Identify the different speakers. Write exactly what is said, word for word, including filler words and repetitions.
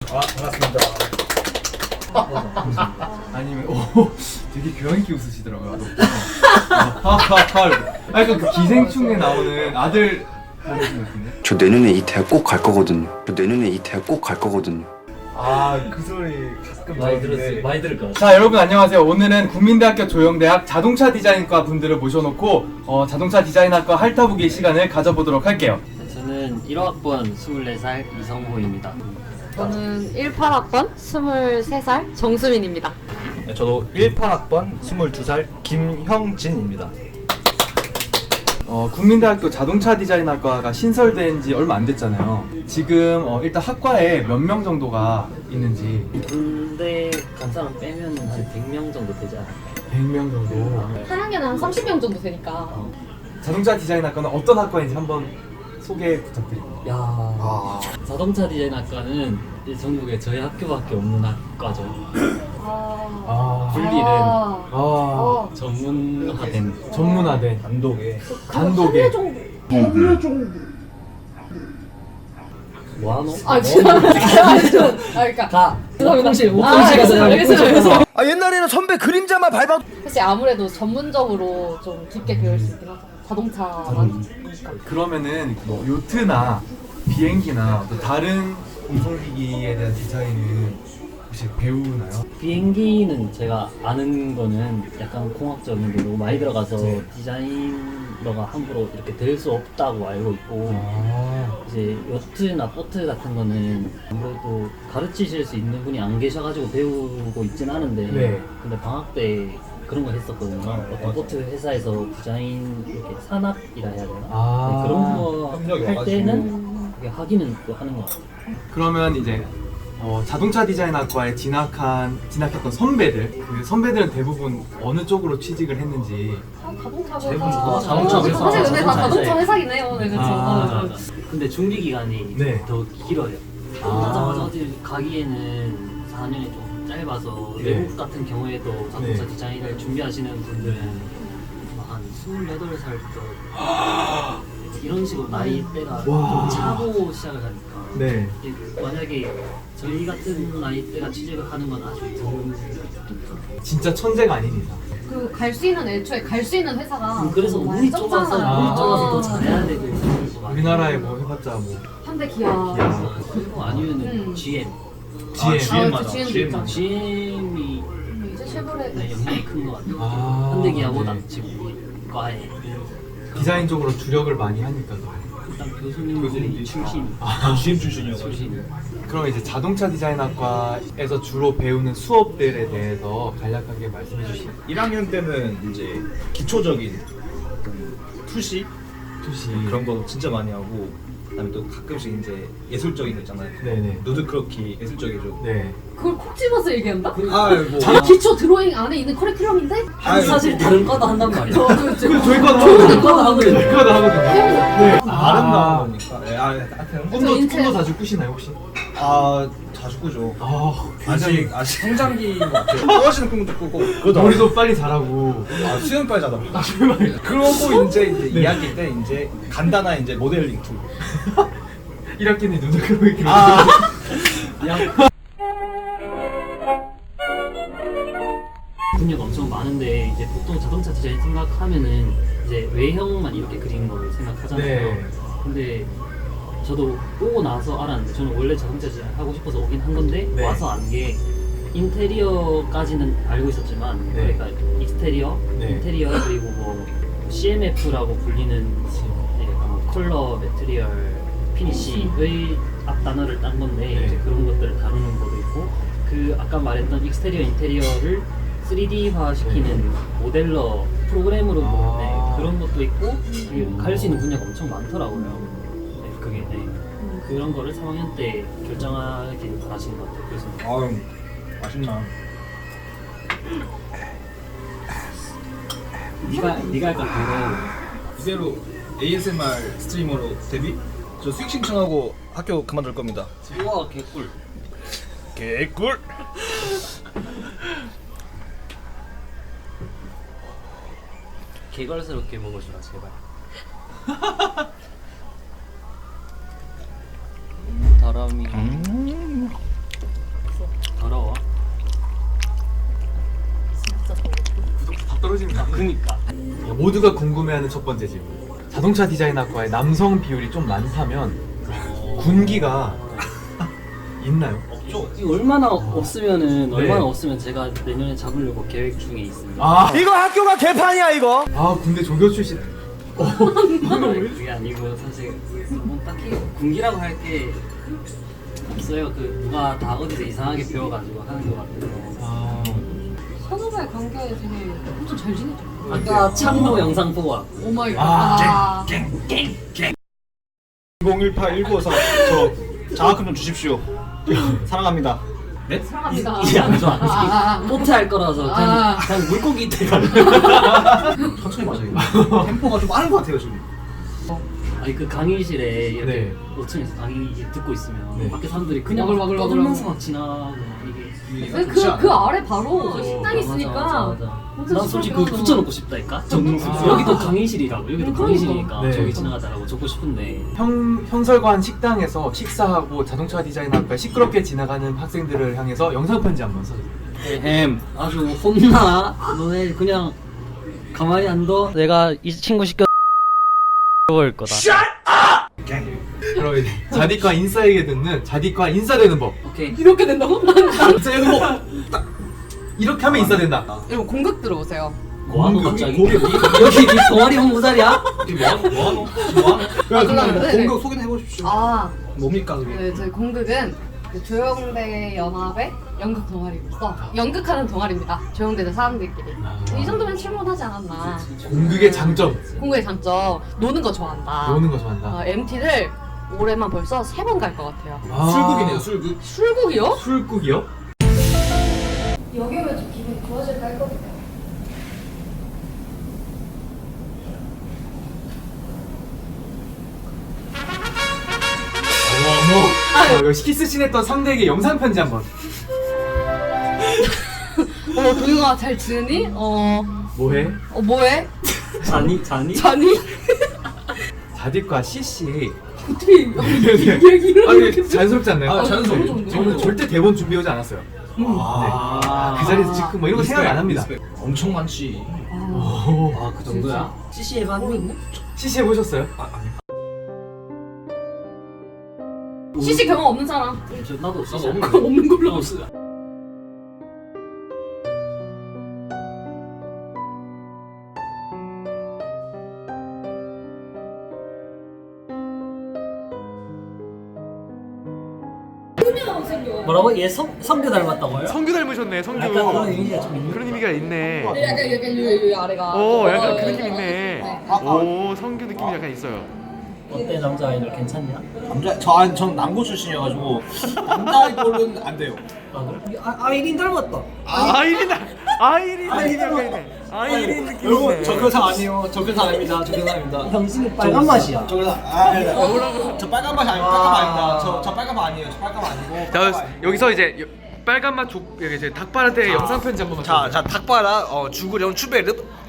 Speaker 1: 아, 반갑습니다.
Speaker 2: 아니면 오 되게 교양 있게 웃으시더라고요. 하하하. 아 약간 그 기생충에 나오는 아들 보는 느낌인데.
Speaker 3: 저 내년에 이 대학 꼭 갈 거거든요. 저 내년에 이 대학 꼭 갈 거거든요.
Speaker 1: 아, 그 소리 가끔
Speaker 4: 많이
Speaker 1: 들었는데.
Speaker 4: 들었어요. 많이 들을 것 같아요.
Speaker 2: 자 여러분 안녕하세요. 오늘은 국민대학교 조영대학 자동차 디자인과 분들을 모셔놓고 어, 자동차 디자인학과 핥아보기 시간을 가져보도록 할게요.
Speaker 4: 저는 일 학번 스물네 살 이성호입니다.
Speaker 5: 저는 십팔 학번 스물세 살 정수민입니다.
Speaker 1: 네, 저도 십팔 학번 스물두 살 김형진입니다.
Speaker 2: 어, 국민대학교 자동차 디자인학과가 신설된 지 얼마 안 됐잖아요. 지금 어, 일단 학과에 몇 명 정도가 있는지.
Speaker 4: 군대 간 사람 빼면 한 백 명 정도 되지 않을까요?
Speaker 2: 백 명 정도.
Speaker 5: 한 학년에 한 삼십 명 정도 되니까.
Speaker 2: 자동차 디자인학과는 어떤 학과인지 한번 소개 부탁드립니다.
Speaker 4: 야,
Speaker 1: 아,
Speaker 4: 자동차 디자인학과는 이 전국에 저희 학교밖에 없는 학과죠.
Speaker 2: 아,
Speaker 4: 분리된
Speaker 2: 아,
Speaker 5: 어.
Speaker 4: 전문화된
Speaker 2: 전문화된
Speaker 1: 단독에.
Speaker 2: 단독에.
Speaker 4: 뭐하노?
Speaker 5: 아 진짜. 아 진짜. 아 그러니까.
Speaker 4: 가!
Speaker 5: 죄송합니다.
Speaker 4: 옥동실!
Speaker 5: 아,
Speaker 4: 옥동실 가서
Speaker 5: 알겠어요, 알겠어요.
Speaker 1: 아, 옛날에는 선배 그림자만 밟아도.
Speaker 5: 사실 아무래도 전문적으로 좀 깊게 배울 수 있긴 하죠. 자동차만.
Speaker 2: 그러면은 뭐 요트나 비행기나 또 다른 운송기기에 대한 디자인은 혹시 배우나요?
Speaker 4: 비행기는 제가 아는 거는 약간 공학적인 게 너무 많이 들어가서
Speaker 2: 네.
Speaker 4: 디자이너가 함부로 이렇게 될 수 없다고 알고 있고
Speaker 2: 아,
Speaker 4: 이제 요트나 보트 같은 거는 아무래도 가르치실 수 있는 분이 안 계셔가지고 배우고 있진 않은데
Speaker 2: 네.
Speaker 4: 근데 방학 때 그런 거 했었거든요.
Speaker 1: 아,
Speaker 4: 어떤
Speaker 1: 맞아.
Speaker 4: 보트 회사에서 디자인 이렇게 산업이라 해야 되나?
Speaker 2: 아.
Speaker 4: 네, 그런 거
Speaker 1: 협력이
Speaker 4: 할
Speaker 1: 와가지고.
Speaker 4: 때는 그게 하기는 또 하는 것 같아요.
Speaker 2: 그러면 이제 어, 자동차 디자인학과에 진학한 진학했던 선배들 그 선배들은 대부분 어느 쪽으로 취직을 했는지.
Speaker 5: 자동차
Speaker 4: 대부분
Speaker 5: 회사.
Speaker 4: 다 자동차 회사.
Speaker 5: 사실 근데 다
Speaker 4: 자동차
Speaker 5: 자동차 회사긴 해요. 네, 그렇죠.
Speaker 2: 아.
Speaker 5: 어,
Speaker 4: 근데 준비 기간이
Speaker 2: 네.
Speaker 4: 더 길어요.
Speaker 2: 아.
Speaker 4: 하자마자 어디 가기에는 사 년이 좀 짧아서
Speaker 2: 네.
Speaker 4: 외국 같은 경우에도 자동차
Speaker 2: 네.
Speaker 4: 디자인을 준비하시는 분들은 한 스물여덟 살부터 이런 식으로 나이대가
Speaker 2: 와.
Speaker 4: 좀 차고 시작을 하니까
Speaker 2: 네.
Speaker 4: 이게 만약에 저희 같은 나이대가 취직을 하는 건 아주 드문
Speaker 2: 진짜 천재가 아닌 이상.
Speaker 5: 그갈 수 있는 애초에 갈 수 있는 회사가
Speaker 4: 그래서
Speaker 5: 너무
Speaker 4: 운이 좁아서
Speaker 5: 좁잖아요.
Speaker 4: 운이 좁아서 더
Speaker 5: 아.
Speaker 4: 잘해야 되고 그런 거 많아요.
Speaker 2: 우리나라에 뭐 해봤자 뭐
Speaker 5: 현대 기아.
Speaker 2: 기아.
Speaker 4: 그리고 아니면은
Speaker 5: 음.
Speaker 4: 지엠
Speaker 2: 지엠.
Speaker 1: 아, 지엠
Speaker 5: 아,
Speaker 1: 맞아.
Speaker 5: 지엠도
Speaker 1: 지엠
Speaker 5: 있다.
Speaker 4: 지엠이
Speaker 5: 음, 이제 쉐보레.
Speaker 4: 네, 영향이 큰 것 같아요.
Speaker 2: 아,
Speaker 4: 현대기아보다
Speaker 2: 네.
Speaker 4: 지금 우리 과에
Speaker 2: 디자인 쪽으로 주력을 많이 하니까.
Speaker 4: 일단 교수님들이 출신
Speaker 1: 아, 지엠 출신이어가지고.
Speaker 4: 출신
Speaker 2: 그럼 이제 자동차 디자인학과에서 주로 배우는 수업들에 대해서 간략하게 말씀해 주시죠.
Speaker 1: 일 학년 때는 이제 기초적인 그 투시
Speaker 2: 투시.
Speaker 1: 그런 거 진짜 많이 하고, 그다음에 또 가끔씩 이제 예술적인 거 있잖아요.
Speaker 2: 네네.
Speaker 1: 누드크로키 예술적이죠.
Speaker 2: 네.
Speaker 5: 그걸 콕 집어서 얘기한다?
Speaker 1: 아, 뭐.
Speaker 5: 자, 기초 드로잉 안에 있는 커리큘럼인데?
Speaker 1: 아유,
Speaker 4: 사실 다른 과도 한단 말이야.
Speaker 5: 어, 그렇죠.
Speaker 2: 그 저희 과도
Speaker 5: 저희
Speaker 2: 하거든요.
Speaker 5: 과도 하거든요.
Speaker 2: 저희 과도 하거든요. 네.
Speaker 1: 아름다운 거니까. 네, 아, 하여튼
Speaker 2: 꿈도
Speaker 5: 인체-
Speaker 2: 꿈도 자주 꾸시나요 혹시?
Speaker 1: 아, 자주 꾸죠.
Speaker 2: 아,
Speaker 1: 아직 아직 성장기인 것 같아요. 떨어지는 꿈도 꾸고, 그것도
Speaker 2: 머리도 빨리 자라고.
Speaker 1: 아, 수영 빨리 자다 보니까. 그러고 이제 이제
Speaker 2: 네.
Speaker 1: 이 학기 때 이제 간단한 이제 모델링 툴.
Speaker 2: 일 학기는 눈을 그러고 이렇게.
Speaker 1: 아,
Speaker 4: 분야가 엄청 많은데 이제 보통 자동차 디자인 생각하면은 이제 외형만 이렇게 그리는 걸 생각하잖아요.
Speaker 2: 네.
Speaker 4: 근데 저도 오고 나서 알았는데 저는 원래 자동차 디자인 하고 싶어서 오긴 한 건데
Speaker 2: 네.
Speaker 4: 와서 안 게 인테리어까지는 알고 있었지만
Speaker 2: 네.
Speaker 4: 그러니까 익스테리어,
Speaker 2: 네.
Speaker 4: 인테리어 그리고 뭐 씨엠에프라고 불리는 예, 뭐 컬러, 매트리얼, 피니시의 앞 단어를 딴 건데
Speaker 2: 네.
Speaker 4: 이제 그런 것들을 다루는 것도 있고 그 아까 말했던 익스테리어, 인테리어를 쓰리디화 시키는 모델러 프로그램으로
Speaker 2: 아.
Speaker 4: 네, 그런 것도 있고 갈 수 있는 분야가 엄청 많더라고요. 네, 그게 네. 그런 거를 삼 학년 때 결정하길 바라시는 것 같아요. 그래서
Speaker 1: 아유, 맛있나.
Speaker 4: 네가 네가 할까
Speaker 1: 이대로 에이에스엠알 스트리머로 데뷔? 저 수익 신청하고 학교 그만둘 겁니다.
Speaker 4: 그거 우와 개꿀.
Speaker 1: 개꿀.
Speaker 4: 개걸스럽게 먹어주라 제발. 다람이. 그니까.
Speaker 2: 어, 모두가 궁금해하는 첫 번째 질문. 자동차 디자인학과에 남성 비율이 좀 많다면 군기가 있나요?
Speaker 1: 없죠.
Speaker 4: 이거 얼마나 없으면은
Speaker 2: 네.
Speaker 4: 얼마나 없으면 제가 내년에 잡으려고 계획 중에 있습니다.
Speaker 2: 아 이거 학교가 개판이야 이거. 아 군대 조교 출신.
Speaker 4: 아니, 그게 아니고 사실 뭐 딱히 군기라고 할 게 없어요. 그 누가 다 어디서 이상하게 배워가지고 하는 것 같아서.
Speaker 2: 아
Speaker 5: 선후배 관계 되게 엄청 잘 지내죠.
Speaker 4: 아까 창모 영상 보고 왔고.
Speaker 5: 오 마이
Speaker 2: 아.
Speaker 5: 갓.
Speaker 1: 공일팔 일구오사 저 장학금 좀 주십시오. 사랑합니다. 네?
Speaker 5: 사랑합니다.
Speaker 4: 이제 안 좋아.
Speaker 5: 아, 아.
Speaker 4: 포트 할 거라서 그냥,
Speaker 5: 아.
Speaker 4: 그냥 물고기 대가.
Speaker 1: 천천히 마셔요. 템포가 좀 빠른 것 같아요 지금.
Speaker 4: 아니 그 강의실에 이렇게
Speaker 2: 네.
Speaker 4: 오 층에서 강의 듣고 있으면
Speaker 2: 네.
Speaker 4: 밖에 사람들이 그냥
Speaker 5: 와글와글
Speaker 4: 떠들면서
Speaker 5: 와글와글.
Speaker 4: 막 지나고 이게.
Speaker 5: 그, 그, 그 아래 바로 식당
Speaker 4: 맞아,
Speaker 5: 있으니까
Speaker 4: 맞아, 맞아.
Speaker 5: 엄청
Speaker 4: 난 솔직히
Speaker 5: 시끄럽게
Speaker 4: 그거 붙여놓고 싶다니까.
Speaker 2: 아.
Speaker 4: 여기도 강의실이라고. 여기도
Speaker 5: 음,
Speaker 4: 강의실이니까
Speaker 2: 네.
Speaker 4: 저기 지나가다라고 적고 싶은데.
Speaker 2: 형 형설관 식당에서 식사하고 자동차 디자인학과에 시끄럽게 지나가는 학생들을 향해서 영상 편지 한번 써주세요.
Speaker 4: 햄 아주 혼나. 너네 그냥 가만히 안 둬. 내가 이 친구 시켜 볼 거다.
Speaker 2: 그럼 이제 자디과 인싸에게 듣는 자디과 인싸되는 법.
Speaker 4: 오케이.
Speaker 5: 이렇게 된다고?
Speaker 2: 인싸되는 법. 딱 이렇게 하면 인싸된다.
Speaker 5: 여러분 공극 들어오세요.
Speaker 4: 뭐하노 갑자기? 여기 네 동아리 홍보 자리야?
Speaker 1: 뭐하노? 뭐하노? 뭐하노?
Speaker 5: 아, 그럼, 네, 네.
Speaker 1: 공격 소개해 보십시오.
Speaker 5: 아,
Speaker 1: 뭡니까 그게?
Speaker 5: 네, 저희 공극은 그 조영대 연합의 연극 동아리로서 연극하는 동아리입니다. 조영대대 사람들끼리. 이 정도면 출몰하지 않았나.
Speaker 2: 공극의 장점.
Speaker 5: 공극의 장점, 노는 거 좋아한다.
Speaker 2: 노는 거 좋아한다.
Speaker 5: 어, 엠티를 올해만 벌써 세 번 갈 것 같아요.
Speaker 2: 아.
Speaker 1: 술국이네요 술국.
Speaker 5: 술국이요?
Speaker 2: 술국이요?
Speaker 5: 여기 오면 좀 기분이 좋아질까 했거든요.
Speaker 2: 어머. 아, 이거 키스씬 했던 상대에게 영상 편지 한번.
Speaker 5: 어, 동영아 잘 지내니? 어,
Speaker 2: 뭐해?
Speaker 5: 어 뭐해?
Speaker 4: 자니 자니?
Speaker 5: 자니?
Speaker 2: 자디과 씨씨.
Speaker 5: 어떻게 얘기를
Speaker 2: 아니
Speaker 5: 이렇게
Speaker 2: 자연스럽지 않나요?
Speaker 1: 아, 자연스러워.
Speaker 5: 너무 좋은데?
Speaker 2: 저는 절대 대본 준비해 오지 않았어요.
Speaker 1: 아,
Speaker 2: 네. 그 자리에서 지금 뭐 이런 거 생각 안 합니다.
Speaker 1: 엄청 많지.
Speaker 2: 오.
Speaker 4: 아 그 정도야? 씨씨 해봤니?
Speaker 5: 있네?
Speaker 2: 씨씨 해보셨어요?
Speaker 5: 씨씨 경험 없는 사람.
Speaker 4: 저 나도 씨씨
Speaker 1: 없는데.
Speaker 4: 안 해.
Speaker 5: 없는 걸로.
Speaker 4: 없어. 뭐라고? 얘 성, 성규 닮았다고요?
Speaker 2: 성규 닮으셨네, 성규.
Speaker 4: 약간 그런 이미지가 좀 있는
Speaker 2: 그런 의미가 있네.
Speaker 5: 약간 약간 요, 요 아래가.
Speaker 2: 오, 약간
Speaker 5: 어,
Speaker 2: 그
Speaker 5: 어,
Speaker 2: 느낌
Speaker 5: 어,
Speaker 2: 있네.
Speaker 5: 네.
Speaker 2: 오, 성규 느낌이 약간 있어요.
Speaker 4: 어때 남자 아이돌 괜찮냐?
Speaker 1: 남자 저 아니 전 남고 출신이어가지고 남자 아이돌은 안 돼요.
Speaker 4: 아 그래? 아, 아이린 닮았다.
Speaker 2: 아이린, 아이린 느낌이 약간 있네. 아이린 느낌
Speaker 1: 여러분
Speaker 2: 있네.
Speaker 1: 저 그런 사람 아니에요. 저 그런 사람 아닙니다. 저 그런 사람 아닙니다.
Speaker 4: 형식이 빨간 맛이야.
Speaker 1: 저 그런 사람 아, 아니, 아니. 저 빨간 맛이 아니고 빨간 맛 아닙니다. 저, 저 빨간 맛 아니에요. 저 빨간 맛 아니고.
Speaker 2: 자, 여기서 이제 빨간 맛 족, 이제 닭발한테 영상 편지 한 번만.
Speaker 1: 자, 자 닭바라 어, 죽으려면 추베르